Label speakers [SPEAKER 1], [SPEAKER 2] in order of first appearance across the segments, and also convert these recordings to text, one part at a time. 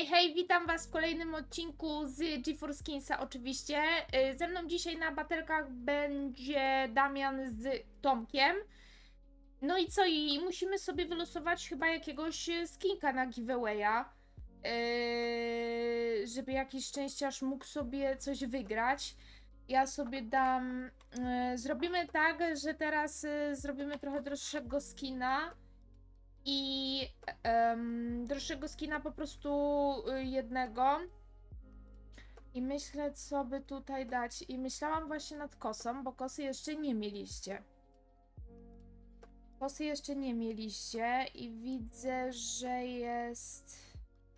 [SPEAKER 1] Hej, witam was w kolejnym odcinku z GeForce Kinsa oczywiście. Ze mną dzisiaj na batelkach będzie Damian z Tomkiem. No i co? I musimy sobie wylosować chyba jakiegoś skinka na giveawaya. Żeby jakiś szczęściarz mógł sobie coś wygrać. Ja sobie dam... zrobimy tak, że teraz zrobimy trochę droższego skina. I droższego skina po prostu jednego. I myślę, co by tutaj dać. I myślałam właśnie nad kosą, bo kosy jeszcze nie mieliście. Kosy jeszcze nie mieliście i widzę, że jest...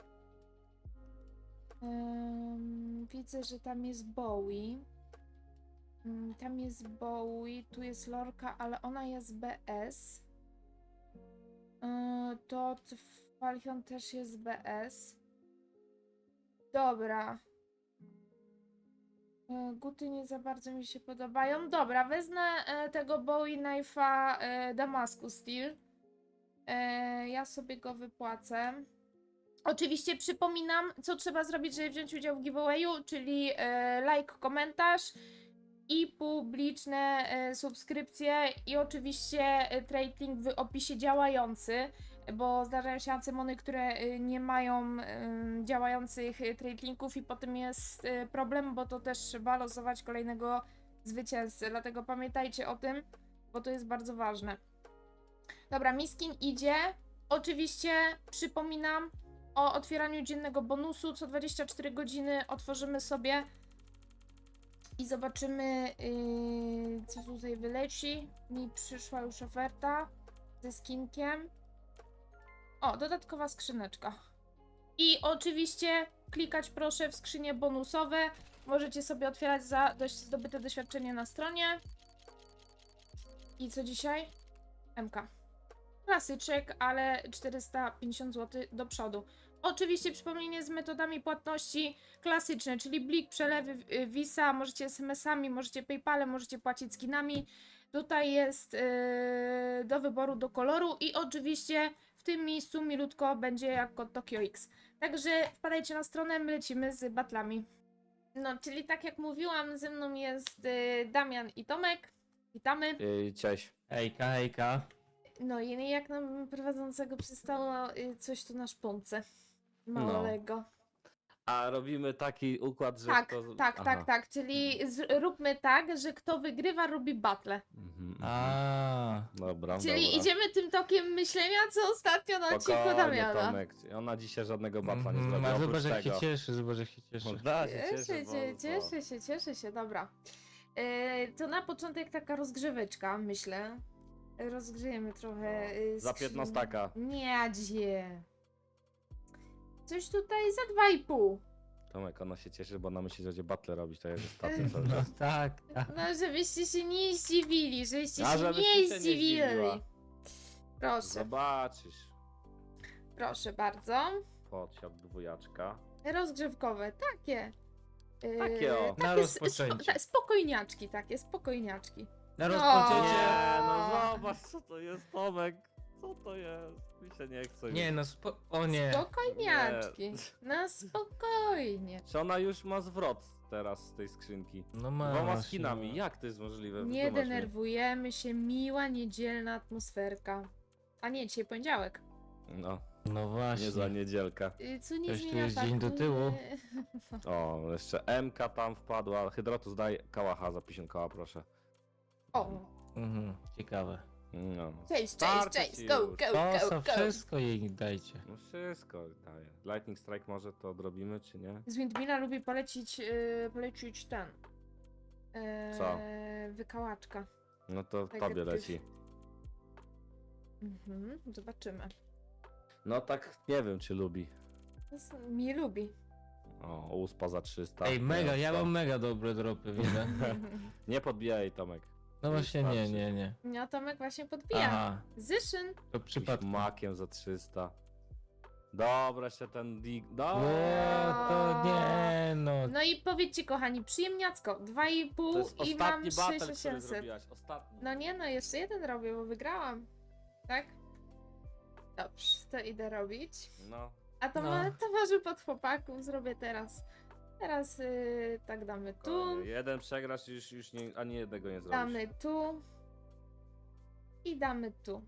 [SPEAKER 1] widzę, że tam jest Bowie. Tam jest Bowie, tu jest Lorka, ale ona jest BS. To Falchion też jest BS. Dobra. Guty nie za bardzo mi się podobają. Dobra, wezmę tego Bowie Knife'a Damascus Steel. Ja sobie go wypłacę. Oczywiście przypominam, co trzeba zrobić, żeby wziąć udział w giveawayu, czyli like, komentarz i publiczne subskrypcje i oczywiście trade link w opisie działający, bo zdarzają się ancymony, które nie mają działających trade linków i potem jest problem, bo to też trzeba losować kolejnego zwycięzcy, dlatego pamiętajcie o tym, bo to jest bardzo ważne. Dobra, Miskin idzie. Oczywiście przypominam o otwieraniu dziennego bonusu. Co 24 godziny otworzymy sobie i zobaczymy, co tutaj wyleci. Mi przyszła już oferta ze skinkiem. O, dodatkowa skrzyneczka. I oczywiście klikać proszę w skrzynie bonusowe. Możecie sobie otwierać za zdobyte doświadczenie na stronie. I co dzisiaj? MK. Klasyczek, ale 450 zł do przodu. Oczywiście przypomnienie z metodami płatności klasyczne, czyli Blik, przelewy, Visa, możecie SMS-ami, możecie PayPalem, możecie płacić skinami. Tutaj jest do wyboru, do koloru i oczywiście w tym miejscu milutko będzie jak kod Tokio X. Także wpadajcie na stronę, my lecimy z batlami. No, czyli tak jak mówiłam, ze mną jest Damian i Tomek. Witamy.
[SPEAKER 2] Cześć.
[SPEAKER 3] Hejka, hejka.
[SPEAKER 1] No i jak nam prowadzącego przystało coś tu na szponce małego.
[SPEAKER 2] A robimy taki układ, że
[SPEAKER 1] Tak,
[SPEAKER 2] kto...
[SPEAKER 1] tak,
[SPEAKER 2] Aha.
[SPEAKER 1] tak, tak, czyli róbmy tak, że kto wygrywa robi battle.
[SPEAKER 3] A,
[SPEAKER 2] Dobra,
[SPEAKER 1] Czyli
[SPEAKER 2] dobra.
[SPEAKER 1] idziemy tym tokiem myślenia, co ostatnio na odcinku
[SPEAKER 2] Spokojnie,
[SPEAKER 1] Damiana.
[SPEAKER 2] Tomek. Ona dzisiaj żadnego batla nie zrobi,
[SPEAKER 3] a
[SPEAKER 2] oprócz
[SPEAKER 3] zobacz jak się
[SPEAKER 2] tego.
[SPEAKER 3] cieszy, zobacz jak się cieszy.
[SPEAKER 2] Da się
[SPEAKER 1] Cieszę się, dobra. To na początek taka rozgrzeweczka, myślę. Rozgrzejemy trochę.
[SPEAKER 2] Za 15 taka.
[SPEAKER 1] Nie, gdzie? Coś tutaj za 2,5.
[SPEAKER 2] Tomek, ona się cieszy, bo ona myśli, że będzie battle robić, to jest ostatnio cały
[SPEAKER 3] No
[SPEAKER 2] czas.
[SPEAKER 3] tak, tak.
[SPEAKER 1] No, żebyście się nie zdziwili, żebyście
[SPEAKER 2] A
[SPEAKER 1] się
[SPEAKER 2] żebyś
[SPEAKER 1] nie
[SPEAKER 2] ty się nie
[SPEAKER 1] zdziwili.
[SPEAKER 2] zdziwiła.
[SPEAKER 1] Proszę,
[SPEAKER 2] Zobaczysz.
[SPEAKER 1] proszę bardzo.
[SPEAKER 2] Podsiad dwójaczka.
[SPEAKER 1] Rozgrzewkowe, takie.
[SPEAKER 2] Takie o.
[SPEAKER 3] Na rozpoczęcie.
[SPEAKER 1] Spokojniaczki, takie, spokojniaczki.
[SPEAKER 3] Na
[SPEAKER 1] No.
[SPEAKER 3] rozpoczęcie.
[SPEAKER 2] Nie, no zobacz co to jest, Tomek. Co to jest? Mi się nie chce.
[SPEAKER 3] Nie no, o nie.
[SPEAKER 1] Spokojniaczki. Na spokojnie.
[SPEAKER 2] Czy ona już ma zwrot teraz z tej skrzynki?
[SPEAKER 3] No ma.
[SPEAKER 2] Dwoma skinami, jak to jest możliwe?
[SPEAKER 1] Nie
[SPEAKER 2] Wytłumacz mi.
[SPEAKER 1] denerwujemy się, miła, niedzielna atmosferka. A nie, dzisiaj poniedziałek.
[SPEAKER 2] No,
[SPEAKER 3] No właśnie.
[SPEAKER 2] nie za niedzielka.
[SPEAKER 1] Co nie
[SPEAKER 3] Coś tu
[SPEAKER 1] zmienia
[SPEAKER 3] jest
[SPEAKER 1] faktu,
[SPEAKER 3] dzień do tyłu.
[SPEAKER 1] że-
[SPEAKER 2] O, jeszcze MK tam wpadła. Hydrotus daj kałacha za 50 koła, proszę.
[SPEAKER 1] O,
[SPEAKER 3] Ciekawe.
[SPEAKER 2] No.
[SPEAKER 1] cześć,
[SPEAKER 2] Starczy
[SPEAKER 1] cześć,
[SPEAKER 2] ci
[SPEAKER 1] go,
[SPEAKER 2] już.
[SPEAKER 1] go,
[SPEAKER 3] To
[SPEAKER 1] go, go.
[SPEAKER 3] wszystko jej dajcie.
[SPEAKER 2] No wszystko daje. Lightning Strike może to odrobimy, czy nie?
[SPEAKER 1] Z Windmilla lubi polecić ten.
[SPEAKER 2] Co?
[SPEAKER 1] Wykałaczka.
[SPEAKER 2] No to
[SPEAKER 1] Tak
[SPEAKER 2] tobie
[SPEAKER 1] jak ty.
[SPEAKER 2] leci.
[SPEAKER 1] Zobaczymy.
[SPEAKER 2] No tak nie wiem, czy lubi.
[SPEAKER 1] Mi lubi.
[SPEAKER 2] O, uspa za 300.
[SPEAKER 3] Ej, mega, ja
[SPEAKER 2] Nie,
[SPEAKER 3] mam mega dobre dropy, widzę.
[SPEAKER 2] Nie podbijaj, Tomek.
[SPEAKER 3] No właśnie nie,
[SPEAKER 2] Wystarczy.
[SPEAKER 3] nie, nie.
[SPEAKER 1] No Tomek właśnie podbija.
[SPEAKER 3] Aha,
[SPEAKER 1] Zyszyn.
[SPEAKER 3] to
[SPEAKER 2] Jakimś
[SPEAKER 3] przypadkiem.
[SPEAKER 2] makiem za 300. Dobra, jeszcze ten dig...
[SPEAKER 3] No
[SPEAKER 2] Dobra.
[SPEAKER 3] to nie no.
[SPEAKER 1] No i powiedzcie kochani, przyjemniacko. 2,5
[SPEAKER 2] To jest
[SPEAKER 1] i mam
[SPEAKER 2] ostatni battle, który
[SPEAKER 1] 6800.
[SPEAKER 2] zrobiłaś. Ostatni.
[SPEAKER 1] No nie no, jeszcze jeden robię, bo wygrałam. Tak? Dobrze, to idę robić.
[SPEAKER 2] No.
[SPEAKER 1] A to
[SPEAKER 3] No.
[SPEAKER 1] towarzyszu pod chłopaków zrobię teraz. Teraz tak damy tu,
[SPEAKER 2] Jeden przegrasz i już nie, ani jednego nie zrobisz.
[SPEAKER 1] damy tu i damy tu.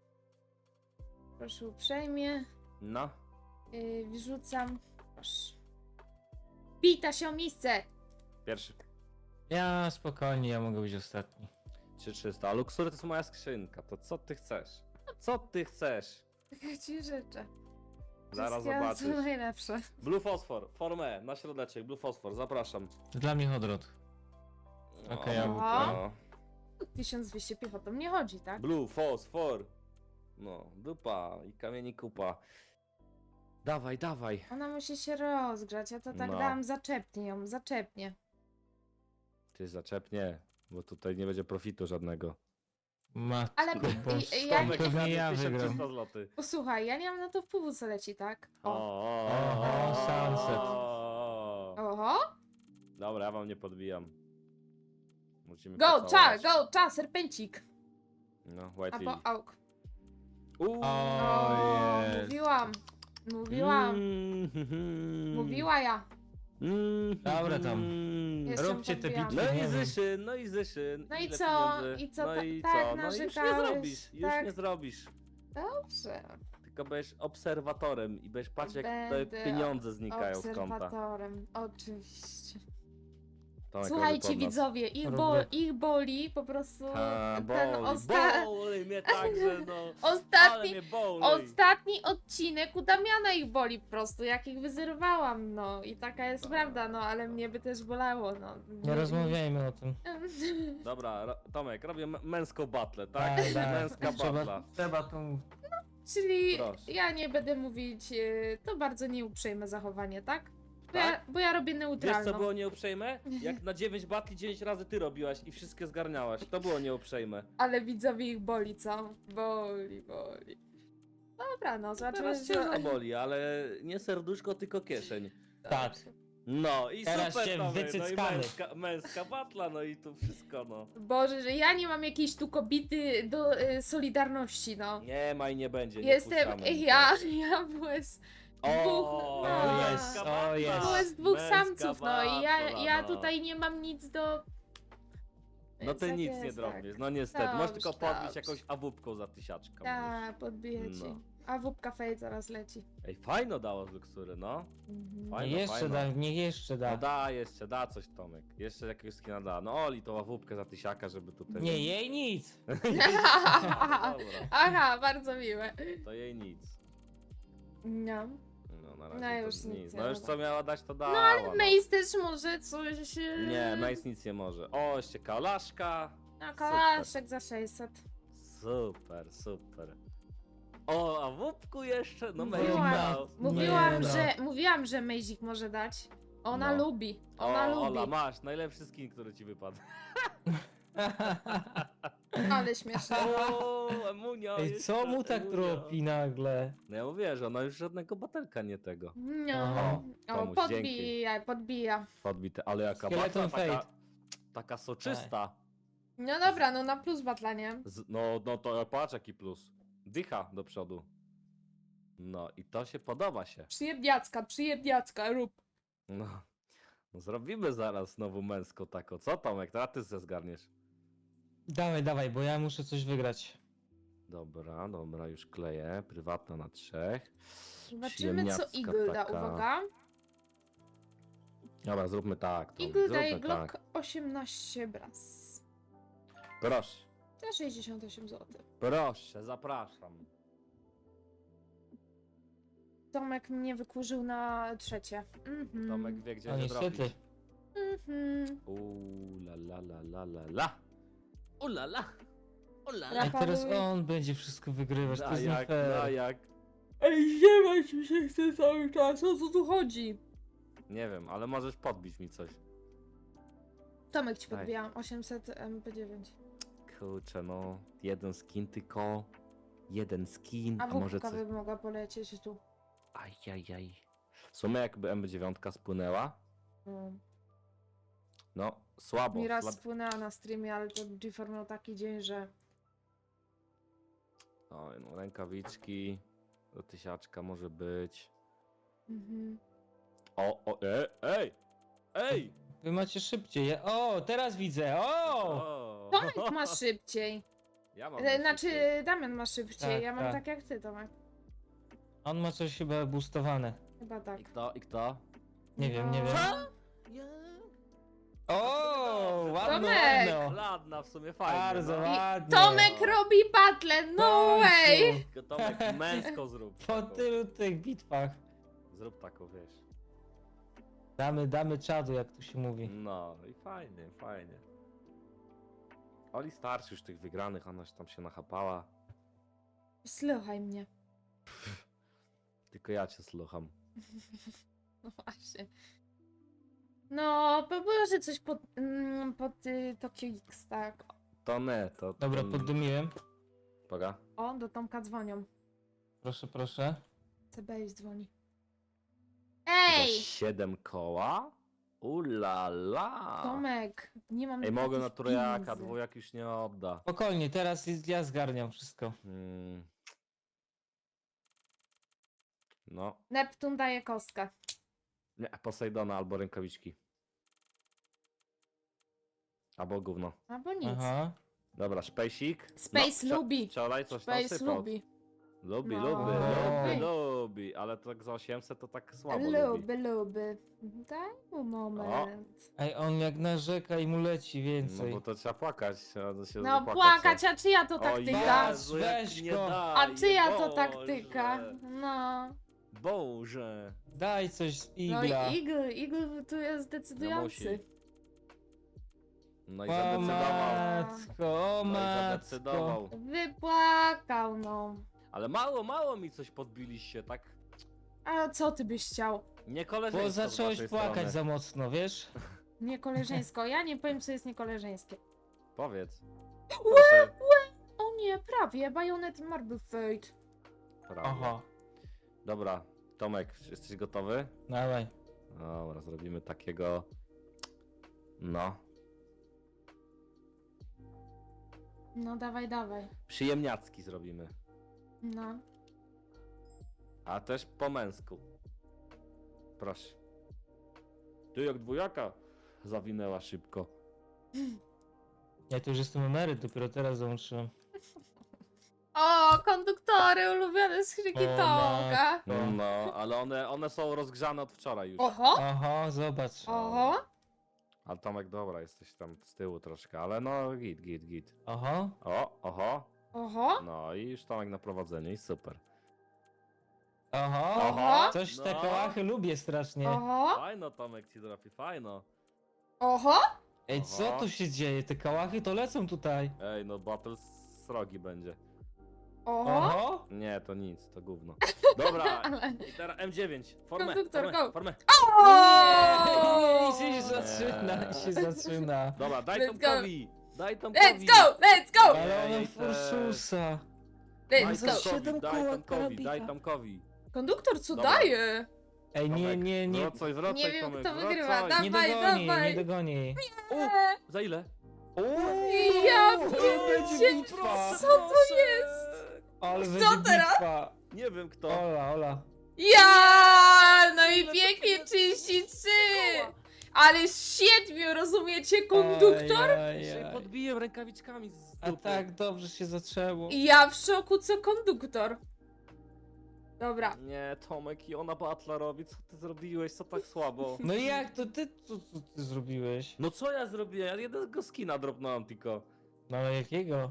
[SPEAKER 1] Proszę uprzejmie.
[SPEAKER 2] No.
[SPEAKER 1] Wrzucam. Proszę. Bita się o miejsce!
[SPEAKER 2] Pierwszy.
[SPEAKER 3] Ja spokojnie, ja mogę być ostatni.
[SPEAKER 2] 3300. A Luxury to jest moja skrzynka. To co ty chcesz? Co ty chcesz?
[SPEAKER 1] Tak ci życzę.
[SPEAKER 2] Zaraz
[SPEAKER 1] Wszystkiego, co
[SPEAKER 2] zobaczysz.
[SPEAKER 1] najlepsze.
[SPEAKER 2] Blue Fosfor, formę, na środeczek, Blue Fosfor, zapraszam.
[SPEAKER 3] Dla mnie Hodrot. Okej,
[SPEAKER 2] O,
[SPEAKER 1] ja-
[SPEAKER 2] no.
[SPEAKER 1] 1200 piechotą nie chodzi, tak?
[SPEAKER 2] Blue Fosfor. No, dupa i kamieni kupa. Dawaj, dawaj.
[SPEAKER 1] Ona musi się rozgrzać, ja to tak
[SPEAKER 2] No.
[SPEAKER 1] dałam zaczepnie ją, zaczepnie.
[SPEAKER 2] Ty zaczepnie, bo tutaj nie będzie profitu żadnego.
[SPEAKER 3] Matko
[SPEAKER 1] Ale
[SPEAKER 3] boska,
[SPEAKER 1] ja nie-
[SPEAKER 3] pewnie ja wygram.
[SPEAKER 2] 1300 zł.
[SPEAKER 1] Posłuchaj, ja nie mam na to wpływu, co leci, tak? O.
[SPEAKER 3] Oho, sunset.
[SPEAKER 1] Oho!
[SPEAKER 2] Dobra, ja wam nie podbijam. Musimy
[SPEAKER 1] Go,
[SPEAKER 2] pocałować.
[SPEAKER 1] serpencik!
[SPEAKER 2] No, White
[SPEAKER 1] Albo
[SPEAKER 2] Lily.
[SPEAKER 1] auk.
[SPEAKER 2] Uuu.
[SPEAKER 3] O, jest.
[SPEAKER 1] Mówiłam. Mówiłam.
[SPEAKER 2] Mm.
[SPEAKER 1] Mówiła ja.
[SPEAKER 3] Dobra tam.
[SPEAKER 1] Jestem
[SPEAKER 3] Róbcie te
[SPEAKER 1] podbijana.
[SPEAKER 3] bitwy.
[SPEAKER 2] No
[SPEAKER 3] Nie
[SPEAKER 2] i
[SPEAKER 3] wiem.
[SPEAKER 2] Zyszyn, no i Zyszyn.
[SPEAKER 1] No i
[SPEAKER 2] Ile
[SPEAKER 1] co?
[SPEAKER 2] pieniędzy?
[SPEAKER 1] I co?
[SPEAKER 2] No i
[SPEAKER 1] Tak
[SPEAKER 2] co? No już nie
[SPEAKER 1] narzekałeś,
[SPEAKER 2] zrobisz, już
[SPEAKER 1] tak.
[SPEAKER 2] nie zrobisz.
[SPEAKER 1] Dobrze.
[SPEAKER 2] Tylko będziesz obserwatorem i będziesz patrzeć, jak te
[SPEAKER 1] Będę
[SPEAKER 2] pieniądze znikają z konta.
[SPEAKER 1] Obserwatorem, oczywiście.
[SPEAKER 2] Tomek,
[SPEAKER 1] Słuchajcie
[SPEAKER 2] robi pod nas.
[SPEAKER 1] widzowie,
[SPEAKER 3] Robię.
[SPEAKER 1] ich boli po prostu
[SPEAKER 2] Ta,
[SPEAKER 1] ten
[SPEAKER 2] boli mnie także, no. Ale
[SPEAKER 1] ostatni,
[SPEAKER 2] mnie boli.
[SPEAKER 1] ostatni odcinek u Damiana ich boli po prostu, jak ich wyzerowałam, no i taka jest
[SPEAKER 2] Tak.
[SPEAKER 1] prawda, no ale mnie by też bolało, no.
[SPEAKER 3] Nie rozmawiajmy o tym.
[SPEAKER 2] Dobra, Tomek, robię męską batlę, tak?
[SPEAKER 3] Tak,
[SPEAKER 2] Męska batla.
[SPEAKER 3] Trzeba tą...
[SPEAKER 1] Czyli
[SPEAKER 2] Proszę.
[SPEAKER 1] ja nie będę mówić, to bardzo nieuprzejme zachowanie, tak?
[SPEAKER 2] Tak?
[SPEAKER 1] Bo ja robię
[SPEAKER 2] Wiesz
[SPEAKER 1] neutralną.
[SPEAKER 2] co było nieuprzejme? Jak na 9 batli 9 razy ty robiłaś i wszystkie zgarniałaś. To było nieuprzejme.
[SPEAKER 1] Ale widzowie ich boli, co? Boli. Dobra, no zobaczymy.
[SPEAKER 2] Teraz cię zaboli, ale nie serduszko, tylko kieszeń.
[SPEAKER 3] Tak.
[SPEAKER 2] No i
[SPEAKER 3] Teraz
[SPEAKER 2] super,
[SPEAKER 3] się
[SPEAKER 2] Tomek, no i
[SPEAKER 3] wycyckamy.
[SPEAKER 2] męska batla, no i tu wszystko, no.
[SPEAKER 1] Boże, że ja nie mam jakiejś tu kobity do solidarności, no.
[SPEAKER 2] Nie ma i nie będzie, nie
[SPEAKER 1] Jestem,
[SPEAKER 2] puszczamy
[SPEAKER 1] ja
[SPEAKER 2] nikogo.
[SPEAKER 1] byłem z
[SPEAKER 2] O,
[SPEAKER 1] no.
[SPEAKER 3] jest,
[SPEAKER 2] męska
[SPEAKER 3] o, jest.
[SPEAKER 2] batla,
[SPEAKER 1] byłem z dwóch
[SPEAKER 2] męska
[SPEAKER 1] samców, no i ja
[SPEAKER 2] no.
[SPEAKER 1] tutaj nie mam nic do...
[SPEAKER 2] No
[SPEAKER 1] Więc
[SPEAKER 2] ty
[SPEAKER 1] tak
[SPEAKER 2] nic
[SPEAKER 1] jest,
[SPEAKER 2] nie
[SPEAKER 1] tak.
[SPEAKER 2] drobniesz, no niestety. Możesz tylko
[SPEAKER 1] Dobrze,
[SPEAKER 2] podbić
[SPEAKER 1] dobrze.
[SPEAKER 2] jakąś awupką za 1000.
[SPEAKER 1] Tak, podbiję ci.
[SPEAKER 2] No.
[SPEAKER 1] A wupka fej zaraz leci.
[SPEAKER 2] Ej, fajno dało z Luxury, no.
[SPEAKER 1] Mhm.
[SPEAKER 2] Fajno,
[SPEAKER 3] Nie jeszcze
[SPEAKER 2] fajno.
[SPEAKER 3] da, niech jeszcze
[SPEAKER 2] No
[SPEAKER 3] da.
[SPEAKER 2] da jeszcze, da coś Tomek. Jeszcze jakiegoś skina da. No Oli to ławupkę za 1000, żeby tutaj...
[SPEAKER 3] Nie, jej nic.
[SPEAKER 2] Dobra,
[SPEAKER 1] Aha, bardzo miłe.
[SPEAKER 2] to jej nic.
[SPEAKER 1] No.
[SPEAKER 2] No na razie
[SPEAKER 1] No
[SPEAKER 2] to
[SPEAKER 1] już nic nie
[SPEAKER 2] No już
[SPEAKER 1] da.
[SPEAKER 2] co miała dać, to dała.
[SPEAKER 1] No ale Mace też może coś...
[SPEAKER 2] Nie, Mace nic nie może. O, jeszcze kalaszka.
[SPEAKER 1] No, kalaszek za 600.
[SPEAKER 2] Super, super. O, a w łupku jeszcze? No Mace
[SPEAKER 1] Mówiłam,
[SPEAKER 2] dał.
[SPEAKER 1] mówiłam,
[SPEAKER 3] no.
[SPEAKER 1] mówiłam, że Mazik może dać. Ona
[SPEAKER 2] No.
[SPEAKER 1] lubi.
[SPEAKER 2] O,
[SPEAKER 1] Ona lubi.
[SPEAKER 2] Ola, masz najlepszy skin, który ci wypadł.
[SPEAKER 1] Ale śmieszne.
[SPEAKER 2] O, Emunia.
[SPEAKER 3] Ej,
[SPEAKER 2] jeszcze,
[SPEAKER 3] co mu tak
[SPEAKER 2] Emunia.
[SPEAKER 3] tropi nagle?
[SPEAKER 2] No ja mówię, że ona już żadnego batelka nie tego.
[SPEAKER 1] No.
[SPEAKER 3] Aha.
[SPEAKER 1] O,
[SPEAKER 2] Komuś
[SPEAKER 1] podbija.
[SPEAKER 2] Podbite, ale jaka
[SPEAKER 3] Skeleton
[SPEAKER 2] batla, taka,
[SPEAKER 3] Fate.
[SPEAKER 2] taka soczysta.
[SPEAKER 1] No dobra, no na plus batla, nie?
[SPEAKER 2] No to patrz jaki plus. Dycha do przodu. No i to się podoba się.
[SPEAKER 1] Przyjemniacka, rób.
[SPEAKER 2] No, no zrobimy zaraz znowu męską taką. Co Tomek, teraz ty ze zgarniesz.
[SPEAKER 3] Dawaj, dawaj, bo ja muszę coś wygrać.
[SPEAKER 2] Dobra, dobra, już kleję. Prywatna na 3.
[SPEAKER 1] Zobaczymy co
[SPEAKER 2] Przyjemniacka
[SPEAKER 1] Eagle da,
[SPEAKER 2] taka.
[SPEAKER 1] uwaga.
[SPEAKER 2] Dobra, zróbmy tak. Tomek,
[SPEAKER 1] Eagle
[SPEAKER 2] zróbmy
[SPEAKER 1] daje Glock
[SPEAKER 2] tak.
[SPEAKER 1] 18 braz.
[SPEAKER 2] Proszę,
[SPEAKER 1] Za 68 zł.
[SPEAKER 2] proszę, zapraszam.
[SPEAKER 1] Tomek mnie wykurzył na trzecie. Mhm.
[SPEAKER 2] Tomek wie gdzie
[SPEAKER 3] No
[SPEAKER 2] się
[SPEAKER 3] niestety.
[SPEAKER 2] drobić.
[SPEAKER 1] Mhm.
[SPEAKER 2] La la la la la la. La la. La la.
[SPEAKER 3] A teraz
[SPEAKER 1] Rafałowi-
[SPEAKER 3] on będzie wszystko wygrywać, to
[SPEAKER 2] A
[SPEAKER 3] jest nie
[SPEAKER 2] jak,
[SPEAKER 3] fair.
[SPEAKER 2] a jak.
[SPEAKER 1] Ej, ziewać mi się chce cały czas, o co tu chodzi?
[SPEAKER 2] Nie wiem, ale możesz podbić mi coś.
[SPEAKER 1] Tomek ci
[SPEAKER 2] Daj.
[SPEAKER 1] podbijam, 800 MP9.
[SPEAKER 2] Kurczę, no. Jeden skin tylko. Jeden skin,
[SPEAKER 1] A
[SPEAKER 2] a może
[SPEAKER 1] wódka
[SPEAKER 2] coś.
[SPEAKER 1] by mogła polecieć tu.
[SPEAKER 2] Ajajaj. W sumie jakby MB9 spłynęła,
[SPEAKER 1] No.
[SPEAKER 2] no słabo.
[SPEAKER 1] Mi raz
[SPEAKER 2] Slab...
[SPEAKER 1] spłynęła na streamie, ale to G4 miał taki dzień, że...
[SPEAKER 2] Oj, no rękawiczki. Do 1000 może być.
[SPEAKER 1] Mhm.
[SPEAKER 2] Ej! Ej!
[SPEAKER 3] Wy macie szybciej. O, teraz widzę. O!
[SPEAKER 2] O!
[SPEAKER 1] Tomek ma szybciej.
[SPEAKER 2] Ja mam
[SPEAKER 1] Znaczy,
[SPEAKER 2] najszybciej.
[SPEAKER 1] Damian ma szybciej,
[SPEAKER 3] Tak,
[SPEAKER 1] ja mam
[SPEAKER 3] tak.
[SPEAKER 1] tak jak ty, Tomek.
[SPEAKER 3] On ma coś chyba boostowane.
[SPEAKER 1] Chyba tak.
[SPEAKER 2] I kto? I kto?
[SPEAKER 3] Nie wiem, nie
[SPEAKER 1] No.
[SPEAKER 3] wiem.
[SPEAKER 2] Co?
[SPEAKER 3] O, ładno,
[SPEAKER 1] Tomek!
[SPEAKER 3] ładno.
[SPEAKER 2] Ładna, w sumie fajnie.
[SPEAKER 3] Bardzo
[SPEAKER 2] no.
[SPEAKER 3] ładnie.
[SPEAKER 1] Tomek robi battle, no
[SPEAKER 3] W końcu.
[SPEAKER 1] way!
[SPEAKER 2] Tylko Tomek, męsko zrób.
[SPEAKER 3] Po
[SPEAKER 2] taką.
[SPEAKER 3] tylu tych bitwach.
[SPEAKER 2] Zrób taką, wiesz.
[SPEAKER 3] Damy czadu, jak tu się mówi.
[SPEAKER 2] No i fajnie, fajnie. Oli starszy już tych wygranych, ona tam się nachapała.
[SPEAKER 1] Słuchaj mnie.
[SPEAKER 2] Tylko ja cię słucham.
[SPEAKER 1] No właśnie. No, poproszę coś pod Tokio X, tak.
[SPEAKER 2] To nie, to...
[SPEAKER 3] Dobra,
[SPEAKER 2] to...
[SPEAKER 3] poddymiłem.
[SPEAKER 2] Poga.
[SPEAKER 1] O, do Tomka dzwonią.
[SPEAKER 3] Proszę, proszę.
[SPEAKER 1] CBS dzwoni.
[SPEAKER 2] Za
[SPEAKER 1] Ej!
[SPEAKER 2] 7 koła? Ulala!
[SPEAKER 1] Tomek, nie mam
[SPEAKER 2] Ej, mogę na
[SPEAKER 1] takich
[SPEAKER 2] trójaka,
[SPEAKER 1] pieniędzy.
[SPEAKER 2] dwójak już nie odda.
[SPEAKER 3] Spokojnie, teraz ja zgarniam wszystko.
[SPEAKER 2] No,
[SPEAKER 1] Neptun daje kostkę.
[SPEAKER 2] nie, Posejdona albo rękawiczki. Albo gówno.
[SPEAKER 1] Albo nic.
[SPEAKER 3] Aha.
[SPEAKER 2] Dobra, szpejsik.
[SPEAKER 1] Space lubi.
[SPEAKER 2] Wczoraj coś tam
[SPEAKER 1] Space
[SPEAKER 2] sypał.
[SPEAKER 1] lubi.
[SPEAKER 2] Lubi,
[SPEAKER 1] No.
[SPEAKER 2] lubi,
[SPEAKER 3] Lubi.
[SPEAKER 2] lubi, ale tak za 800 to tak słabo lubi.
[SPEAKER 1] Lubi. Daj mu moment.
[SPEAKER 3] Ej, on jak narzeka i mu leci
[SPEAKER 2] No
[SPEAKER 3] więcej.
[SPEAKER 2] bo to trzeba płakać, trzeba się
[SPEAKER 1] No
[SPEAKER 2] zapłakać,
[SPEAKER 1] płakać,
[SPEAKER 2] co?
[SPEAKER 1] a czyja to
[SPEAKER 2] O
[SPEAKER 1] taktyka?
[SPEAKER 2] Jezu, jak
[SPEAKER 3] Weź
[SPEAKER 2] nie
[SPEAKER 3] go.
[SPEAKER 2] daje,
[SPEAKER 1] A czyja to
[SPEAKER 2] Boże.
[SPEAKER 1] taktyka? No.
[SPEAKER 2] Boże.
[SPEAKER 3] Daj coś z
[SPEAKER 1] No i
[SPEAKER 3] igla.
[SPEAKER 1] Eagle tu jest decydujący.
[SPEAKER 2] No i
[SPEAKER 3] O
[SPEAKER 2] zadecydował.
[SPEAKER 3] matko, o
[SPEAKER 2] No i
[SPEAKER 3] matko.
[SPEAKER 2] zadecydował.
[SPEAKER 1] Wypłakał, no.
[SPEAKER 2] Ale mało mi coś podbiliście, tak?
[SPEAKER 1] A co ty byś chciał?
[SPEAKER 2] Nie koleżeńsko
[SPEAKER 3] Bo
[SPEAKER 2] z
[SPEAKER 3] zacząłeś
[SPEAKER 2] waszej
[SPEAKER 3] płakać
[SPEAKER 2] strony.
[SPEAKER 3] za mocno, wiesz?
[SPEAKER 1] Niekoleżeńsko. Ja nie powiem, co jest niekoleżeńskie.
[SPEAKER 2] Powiedz. Proszę.
[SPEAKER 1] O nie, prawie. Bayonet Marble Fate.
[SPEAKER 2] Prawie.
[SPEAKER 3] Aha,
[SPEAKER 2] Dobra, Tomek, jesteś gotowy?
[SPEAKER 3] dawaj.
[SPEAKER 2] Dobra, zrobimy takiego... No.
[SPEAKER 1] No dawaj, dawaj.
[SPEAKER 2] Przyjemniacki zrobimy.
[SPEAKER 1] No.
[SPEAKER 2] A też po męsku. Proszę. Ty jak dwójaka zawinęła szybko.
[SPEAKER 3] Ja tu już jestem emeryt, dopiero teraz dołączyłem.
[SPEAKER 1] O, konduktory ulubione z Krzyki
[SPEAKER 3] O,
[SPEAKER 1] Tomka.
[SPEAKER 2] No, ale one są rozgrzane od wczoraj już.
[SPEAKER 1] Oho,
[SPEAKER 3] Aha, zobacz.
[SPEAKER 1] oho.
[SPEAKER 2] Ale Tomek, dobra, jesteś tam z tyłu troszkę, ale no git.
[SPEAKER 3] Aha.
[SPEAKER 2] Oho.
[SPEAKER 1] Oho.
[SPEAKER 2] No i już Tomek na prowadzeniu i super.
[SPEAKER 3] Aha.
[SPEAKER 1] Oho.
[SPEAKER 3] Coś te
[SPEAKER 2] No.
[SPEAKER 3] kołachy lubię strasznie.
[SPEAKER 1] Oho.
[SPEAKER 2] Fajno Tomek ci trafi, fajno.
[SPEAKER 1] Oho.
[SPEAKER 3] Ej, co
[SPEAKER 2] Aha.
[SPEAKER 3] tu się dzieje? Te kałachy to lecą tutaj.
[SPEAKER 2] Ej, no battle srogi będzie.
[SPEAKER 1] Oho.
[SPEAKER 3] Oho.
[SPEAKER 2] Nie, to nic, to gówno. Dobra,
[SPEAKER 1] Ale-
[SPEAKER 2] i teraz M9. Formę,
[SPEAKER 1] Konduktor,
[SPEAKER 2] formę,
[SPEAKER 1] go.
[SPEAKER 2] formę.
[SPEAKER 1] O!
[SPEAKER 3] Nie, się zaczyna, się zaczyna.
[SPEAKER 2] Dobra, daj
[SPEAKER 1] Let's
[SPEAKER 2] Tomkowi. Daj Tomkowi.
[SPEAKER 1] Let's go, let's go,
[SPEAKER 3] Ale ona
[SPEAKER 2] Ej, te-
[SPEAKER 3] Ursusa.
[SPEAKER 2] Daj
[SPEAKER 1] let's
[SPEAKER 3] za
[SPEAKER 1] go.
[SPEAKER 3] trzy- Siedem
[SPEAKER 2] Tomkowi,
[SPEAKER 3] koła
[SPEAKER 2] daj Tomkowi,
[SPEAKER 3] karabika.
[SPEAKER 2] daj Tomkowi.
[SPEAKER 1] Konduktor, co
[SPEAKER 2] Dobra.
[SPEAKER 1] daje?
[SPEAKER 3] Ej, nie.
[SPEAKER 2] Wracaj,
[SPEAKER 1] Nie wiem,
[SPEAKER 2] Tomek,
[SPEAKER 1] kto
[SPEAKER 2] wracaj.
[SPEAKER 1] wygrywa,
[SPEAKER 3] Nie
[SPEAKER 1] Dawaj,
[SPEAKER 3] dogoni,
[SPEAKER 1] dawaj.
[SPEAKER 3] nie dogoni.
[SPEAKER 2] Za ile?
[SPEAKER 1] Ja
[SPEAKER 3] Uuu,
[SPEAKER 1] pierdzie-
[SPEAKER 3] będzie bitwa.
[SPEAKER 1] Co to jest?
[SPEAKER 3] Ale
[SPEAKER 1] Co
[SPEAKER 3] będzie
[SPEAKER 1] teraz?
[SPEAKER 3] bitwa.
[SPEAKER 2] Nie wiem kto.
[SPEAKER 3] Ola.
[SPEAKER 1] Ja! No i
[SPEAKER 2] Ile
[SPEAKER 1] pięknie
[SPEAKER 2] to kosztuje?
[SPEAKER 1] 33! Ale z 7, rozumiecie, konduktor?
[SPEAKER 2] Się podbiję rękawiczkami z
[SPEAKER 3] A
[SPEAKER 2] dupy.
[SPEAKER 3] tak dobrze się zaczęło.
[SPEAKER 1] I ja w szoku, co konduktor. Dobra.
[SPEAKER 2] Nie, Tomek i ona batla robi. Co ty zrobiłeś? Co tak słabo?
[SPEAKER 3] No i jak to ty, co ty zrobiłeś?
[SPEAKER 2] No co ja zrobiłem? Ja jednego skina dropnąłem tylko.
[SPEAKER 3] No ale jakiego?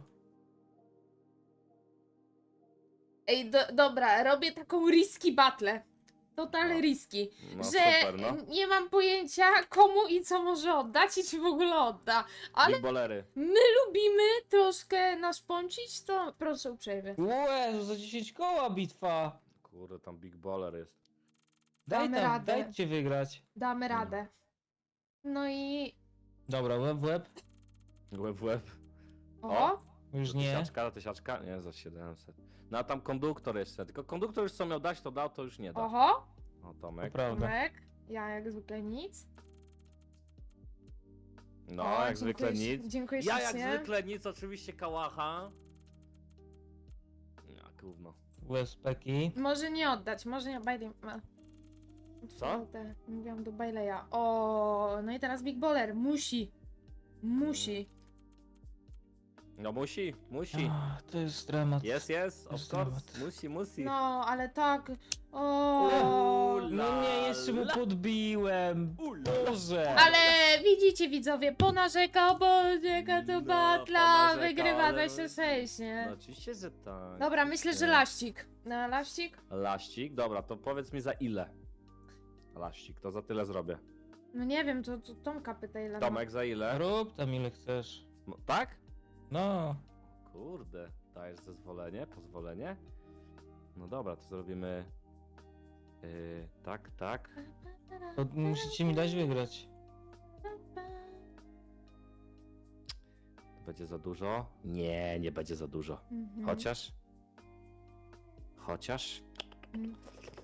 [SPEAKER 1] Ej, dobra, robię taką risky battle. Total
[SPEAKER 2] No.
[SPEAKER 1] risky.
[SPEAKER 2] No
[SPEAKER 1] że
[SPEAKER 2] super, no.
[SPEAKER 1] nie mam pojęcia, komu i co może oddać i czy w ogóle odda. Ale
[SPEAKER 2] Big bolery.
[SPEAKER 1] my lubimy troszkę naszpącić, to proszę uprzejmie.
[SPEAKER 3] Łe, za 10 koła bitwa.
[SPEAKER 2] Kurde, tam big baller jest.
[SPEAKER 1] Damy radę.
[SPEAKER 3] dajcie wygrać.
[SPEAKER 1] Damy radę. No i...
[SPEAKER 3] Dobra, łeb w łeb.
[SPEAKER 2] Łeb w łeb.
[SPEAKER 1] O!
[SPEAKER 3] Już
[SPEAKER 2] Za
[SPEAKER 3] nie.
[SPEAKER 2] tysiaczka? Nie, za 700. No a tam konduktor jeszcze. Tylko konduktor już co miał dać, to dał, to już nie da.
[SPEAKER 1] Oho!
[SPEAKER 2] O,
[SPEAKER 3] To
[SPEAKER 2] Tomek.
[SPEAKER 3] prawda.
[SPEAKER 1] Tomek. Ja jak zwykle nic.
[SPEAKER 2] No,
[SPEAKER 1] O,
[SPEAKER 2] jak zwykle
[SPEAKER 1] dziękuję,
[SPEAKER 2] nic.
[SPEAKER 1] Dziękuję
[SPEAKER 2] Ja jak
[SPEAKER 1] ślicznie.
[SPEAKER 2] zwykle nic, oczywiście kałacha. Ja, gówno.
[SPEAKER 3] Łeb z peki.
[SPEAKER 1] Może nie oddać, może nie...
[SPEAKER 2] Co?
[SPEAKER 1] Mówiłam do Baileya. O, no i teraz Big Baller. Musi. Musi.
[SPEAKER 2] No musi.
[SPEAKER 3] Ach, to jest dramat.
[SPEAKER 2] Jest, of
[SPEAKER 3] Jest
[SPEAKER 2] course.
[SPEAKER 3] dramat.
[SPEAKER 2] Musi.
[SPEAKER 1] No, ale tak. O.
[SPEAKER 3] No nie, jeszcze mu podbiłem. Boże.
[SPEAKER 1] Ale widzicie widzowie, ponarzekał, bo jaka to
[SPEAKER 2] No,
[SPEAKER 1] batla,
[SPEAKER 2] ponarzekał,
[SPEAKER 1] wygrywa
[SPEAKER 2] ale-
[SPEAKER 1] 26, nie?
[SPEAKER 2] No oczywiście, że tak.
[SPEAKER 1] Dobra, myślę, że laścik. No, laścik?
[SPEAKER 2] Laścik? Dobra, to powiedz mi za ile? Laścik, to za tyle zrobię.
[SPEAKER 1] No nie wiem, to Tomka pytaj, Lena.
[SPEAKER 2] Tomek, za ile?
[SPEAKER 3] Rób tam ile chcesz.
[SPEAKER 2] No, tak?
[SPEAKER 3] No.
[SPEAKER 2] Kurde, dajesz zezwolenie, pozwolenie? No dobra, to zrobimy... tak.
[SPEAKER 3] To musicie mi dać wygrać.
[SPEAKER 2] Będzie za dużo? Nie będzie za dużo.
[SPEAKER 1] Mhm.
[SPEAKER 2] Chociaż?
[SPEAKER 1] Mm.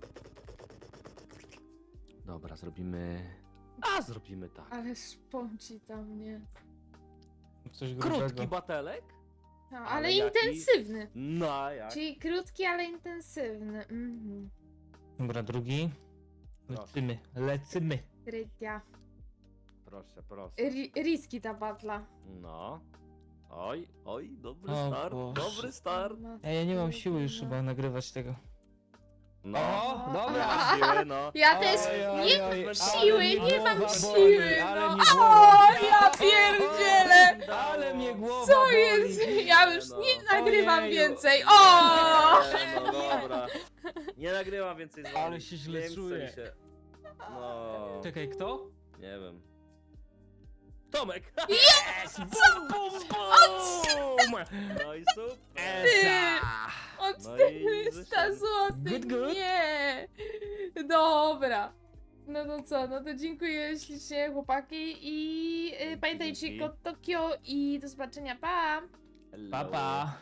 [SPEAKER 2] Dobra, zrobimy tak.
[SPEAKER 1] Ale szponci tam, nie?
[SPEAKER 3] Coś grubego.
[SPEAKER 2] Krótki batelek?
[SPEAKER 1] No,
[SPEAKER 2] Ale
[SPEAKER 1] ale
[SPEAKER 2] jaki?
[SPEAKER 1] intensywny.
[SPEAKER 2] No, a jak?
[SPEAKER 1] Czyli krótki, ale intensywny. Mhm.
[SPEAKER 3] Dobra, drugi. Lecimy.
[SPEAKER 1] Krytia.
[SPEAKER 2] Proszę.
[SPEAKER 1] Riski ta batla.
[SPEAKER 2] No. Oj, dobry
[SPEAKER 3] O
[SPEAKER 2] start,
[SPEAKER 3] Boże.
[SPEAKER 2] dobry start.
[SPEAKER 3] Ej, ja nie mam siły już chyba nagrywać tego.
[SPEAKER 2] No.
[SPEAKER 3] O,
[SPEAKER 2] Nie
[SPEAKER 3] dobra.
[SPEAKER 2] masz siły, no.
[SPEAKER 1] Ja też nie
[SPEAKER 2] oj,
[SPEAKER 1] mam
[SPEAKER 2] ale
[SPEAKER 1] siły,
[SPEAKER 2] mnie
[SPEAKER 1] nie mam
[SPEAKER 3] głowa
[SPEAKER 1] siły.
[SPEAKER 3] boli, ale
[SPEAKER 1] No.
[SPEAKER 3] mnie
[SPEAKER 1] O,
[SPEAKER 3] głowa
[SPEAKER 1] ja pierdzielę.
[SPEAKER 3] Ale mnie głowa
[SPEAKER 1] Co
[SPEAKER 3] boli.
[SPEAKER 1] jest? Ja już
[SPEAKER 2] No.
[SPEAKER 1] nie nagrywam
[SPEAKER 3] Ojeju.
[SPEAKER 1] więcej. O!
[SPEAKER 2] Nie, no dobra. Nie nagrywam więcej z wami.
[SPEAKER 3] Ale się źle
[SPEAKER 2] Nie chce
[SPEAKER 3] czuję.
[SPEAKER 2] mi się. No.
[SPEAKER 3] Czekaj, kto?
[SPEAKER 2] Nie wiem. Tomek!
[SPEAKER 3] Yes! Bum, bum, bum!
[SPEAKER 2] No i super.
[SPEAKER 3] Esa!
[SPEAKER 1] O
[SPEAKER 2] No i
[SPEAKER 1] 400
[SPEAKER 2] wyszedł.
[SPEAKER 1] zł.
[SPEAKER 3] Good.
[SPEAKER 1] Nie. Dobra. No to co, no to dziękuję ślicznie chłopaki i pamiętajcie
[SPEAKER 2] Dzięki.
[SPEAKER 1] kod Tokio i do zobaczenia, pa!
[SPEAKER 2] Hello.
[SPEAKER 3] Pa, pa.